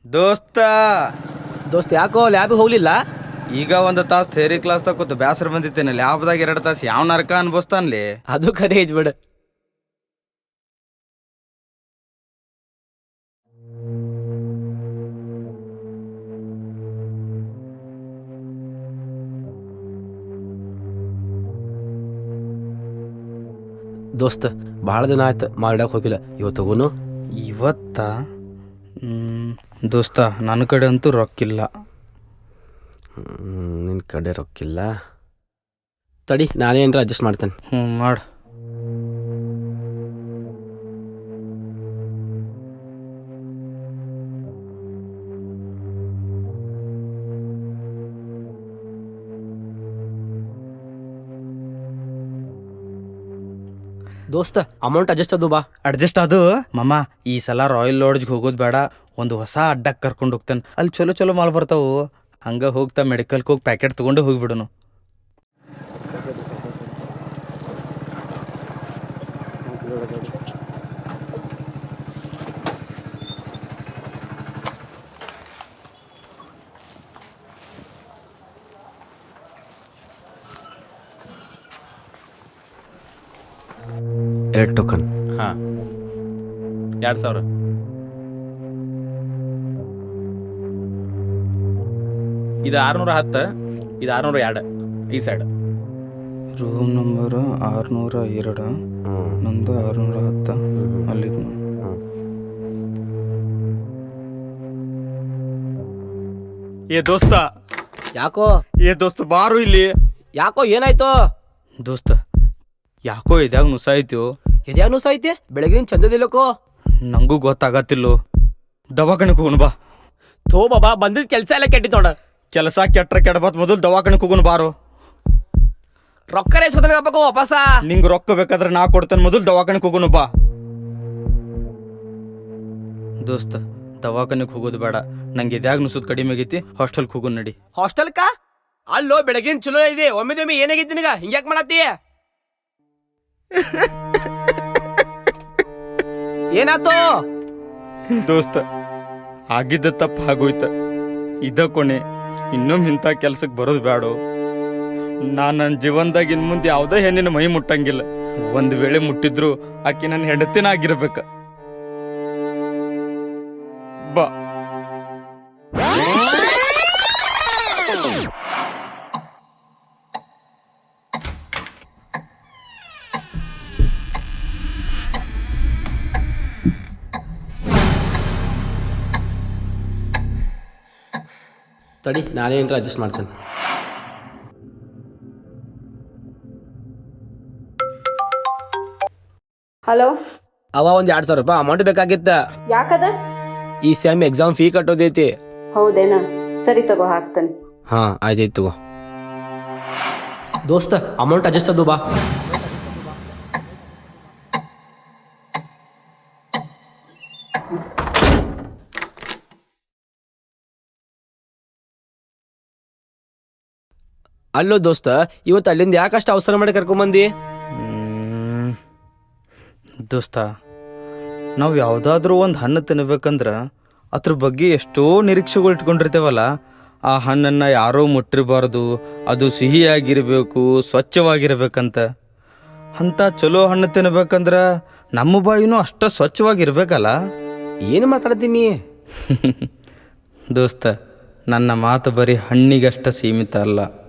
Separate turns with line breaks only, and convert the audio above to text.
ದೋಸ್ತ
ದೋಸ್ತ ಯಾಕೋ ಲ್ಯಾಬಿಗೆ ಹೋಗ್ಲಿಲ್ಲ?
ಈಗ ಒಂದು ತಾಸು ಥೇರಿ ಕ್ಲಾಸ್ ತಗೋತ ಬ್ಯಾಸರ ಬಂದಿತ್ತೇನೆ. ಲ್ಯಾಬ್ದಾಗ 2 ತಾಸು ಯಾವ ನರಕ ಅನ್ಭವಿಸ್ತಾನ್ಲಿ.
ಅದು ಖರೆ ಐತ್ ಬಿಡು. ದೋಸ್ತ ಭಾಳ ದಿನ ಆಯ್ತು ಮಾಲ್ಡಾಗ ಹೋಗಿಲ್ಲ. ಇವತ್ತು ಹೋಗೋನು?
ಇವತ್ತ ದೋಸ್ತ ನನ್ನ ಕಡೆ ಅಂತೂ ರೊಕ್ಕಿಲ್ಲ.
ನಿನ್ನ ಕಡೆ ರೊಕ್ಕಿಲ್ಲ? ತಡಿ ನಾನೇ ಏನಾರ ಅಡ್ಜಸ್ಟ್ ಮಾಡ್ತೇನೆ.
ಮಾಡು.
ದೋಸ್ತ ಅಮೌಂಟ್ ಅಡ್ಜಸ್ಟ್ ಅದು ಬಾ.
ಅಡ್ಜಸ್ಟ್ ಅದು ಮಮ್ಮ. ಈ ಸಲ ರಾಯಲ್ ಲಾಡ್ಜ್ಗೆ ಹೋಗೋದು ಬೇಡ, ಒಂದು ಹೊಸ ಅಡ್ಡಕ್ಕೆ ಕರ್ಕೊಂಡು ಹೋಗ್ತಾನೆ. ಅಲ್ಲಿ ಚಲೋ ಚಲೋ ಮಾಲ್ ಬರ್ತಾವು. ಹಂಗೆ ಹೋಗ್ತಾ ಮೆಡಿಕಲ್ಗೆ ಹೋಗಿ ಪ್ಯಾಕೆಟ್ ತೊಗೊಂಡು ಹೋಗಿಬಿಡೋನು.
ಎರಡು ಟೋಕನ್.
ಹಾಂ 2000. ಇದು 610, ಇದು 602 ಈ ಸೈಡ್.
ರೂಮ್ ನಂಬರು 602, ನಂದು 610. ಅಲ್ಲಿದ್ದು ಏ ದೋಸ್ತ.
ಯಾಕೋ
ಬಾರು ಇಲ್ಲಿ.
ಯಾಕೋ ಏನಾಯ್ತು?
ದೋಸ್ತ ಯಾಕೋ ಇದ್ಯಾಗ ನುಸಾಯ್ತು.
ಇದ್ಯಾವ ನುಸ ಐತಿ? ಬೆಳಗಿನ ಚಂದದಿಲ್ಲಕೋ.
ನಂಗೂ ಗೊತ್ತಾಗತ್ತಿಲ್ಲೋ. ದವಾಖಾನೆಗೆ ಹೋಗೋಣ ಬಾ.
ಥೋ ಬಾಬಾ, ಬಂದಿದ್ದ ಕೆಲಸ ಎಲ್ಲ ಕೆಟ್ಟಿತ್ತು ನೋಡ.
ಕೆಲಸ ಕೆಟ್ರ ಕೆಡಬತ್ ಮೊದಲು ದವಾಖಾನೆಗೆ ಹೋಗೋಣ ಬಾರು.
ರೊಕ್ಕರೇ ಸೋದಬೇಕು ವಾಪಸ.
ನಿಂಗೆ ರೊಕ್ಕ ಬೇಕಾದ್ರೆ ನಾ ಕೊಡ್ತೇನೆ, ಮೊದಲು ದವಾಖಾನೆಗೆ ಹೋಗೋಣ ಬಾ. ದೋಸ್ತ ದವಾಖಾನೆಗೆ ಹೋಗೋದು ಬೇಡ, ನಂಗೆ ಇದ್ಯಾಗ ನುಸುದ್ ಕಡಿಮೆ ಆಗೈತಿ. ಹಾಸ್ಟೆಲ್ಗೆ ಹೋಗೋಣ ನಡಿ.
ಹಾಸ್ಟೆಲ್ಕ? ಅಲ್ಲೋ ಬೆಳಗಿನ ಚಲೋ ಇದೆ. ಒಮ್ಮೆ ಏನಾಗೈತಿ ನಿನಗ? ಹಿಂಗ್ಯಾಕ್ ಮಾಡತ್ತಿ? ಏನಾತು?
ದೋಸ್ತ ಆಗಿದ್ದ ತಪ್ಪು ಆಗೋಯ್ತ. ಇದ ಕೊನೆ. ಇನ್ನೊಮ್ಮೆ ಇಂಥ ಕೆಲ್ಸಕ್ಕೆ ಬರೋದು ಬೇಡ. ನನ್ನ ಜೀವನದಾಗ ಇನ್ನು ಮುಂದೆ ಯಾವುದೇ ಹೆಣ್ಣಿನ ಮೈ ಮುಟ್ಟಂಗಿಲ್ಲ. ಒಂದು ವೇಳೆ ಮುಟ್ಟಿದ್ರು ಆಕೆ ನನ್ನ ಹೆಂಡತಿನ ಆಗಿರ್ಬೇಕ. ಬಾ.
ತಡಿ ನಾನೇ ಏನಾರ ಅಡ್ಜಸ್ಟ್ ಮಾಡ್ತೇನೆ.
ಹಲೋ,
ಅವ ಒಂದು 2000 ರೂಪಾಯಿ ಅಮೌಂಟ್ ಬೇಕಾಗಿತ್ತ.
ಯಾಕದ?
ಈ ಸೆಮ್ ಎಕ್ಸಾಮ್ ಫೀ ಕಟ್ಟೋದೈತಿ.
ಹೌದೇನಾ? ಸರಿ ತಗೋ, ಹಾಕ್ತಾನೆ.
ಹಾ ಆಯ್ತಾಯ್ತು ತಗೋ. ದೋಸ್ತ ಅಮೌಂಟ್ ಅಡ್ಜಸ್ಟ್ ಅದು ಬಾ. ಅಲ್ಲೋ ದೋಸ್ತ, ಇವತ್ತು ಅಲ್ಲಿಂದ ಯಾಕಷ್ಟು ಅವಸರ ಮಾಡಿ ಕರ್ಕೊಂಬಂದಿ?
ದೋಸ್ತ ನಾವು ಯಾವುದಾದ್ರೂ ಒಂದು ಹಣ್ಣು ತಿನ್ಬೇಕಂದ್ರೆ ಅದ್ರ ಬಗ್ಗೆ ಎಷ್ಟೋ ನಿರೀಕ್ಷೆಗಳು ಇಟ್ಕೊಂಡಿರ್ತೇವಲ್ಲ. ಆ ಹಣ್ಣನ್ನು ಯಾರೋ ಮುಟ್ಟಿರಬಾರ್ದು, ಅದು ಸಿಹಿಯಾಗಿರಬೇಕು, ಸ್ವಚ್ಛವಾಗಿರ್ಬೇಕಂತ. ಅಂಥ ಚಲೋ ಹಣ್ಣು ತಿನ್ಬೇಕಂದ್ರೆ ನಮ್ಮ ಬಾಯಿನೂ ಅಷ್ಟ ಸ್ವಚ್ಛವಾಗಿರ್ಬೇಕಲ್ಲ.
ಏನು ಮಾತಾಡ್ತೀನಿ?
ದೋಸ್ತ ನನ್ನ ಮಾತು ಬರೀ ಹಣ್ಣಿಗಷ್ಟ ಸೀಮಿತ ಅಲ್ಲ.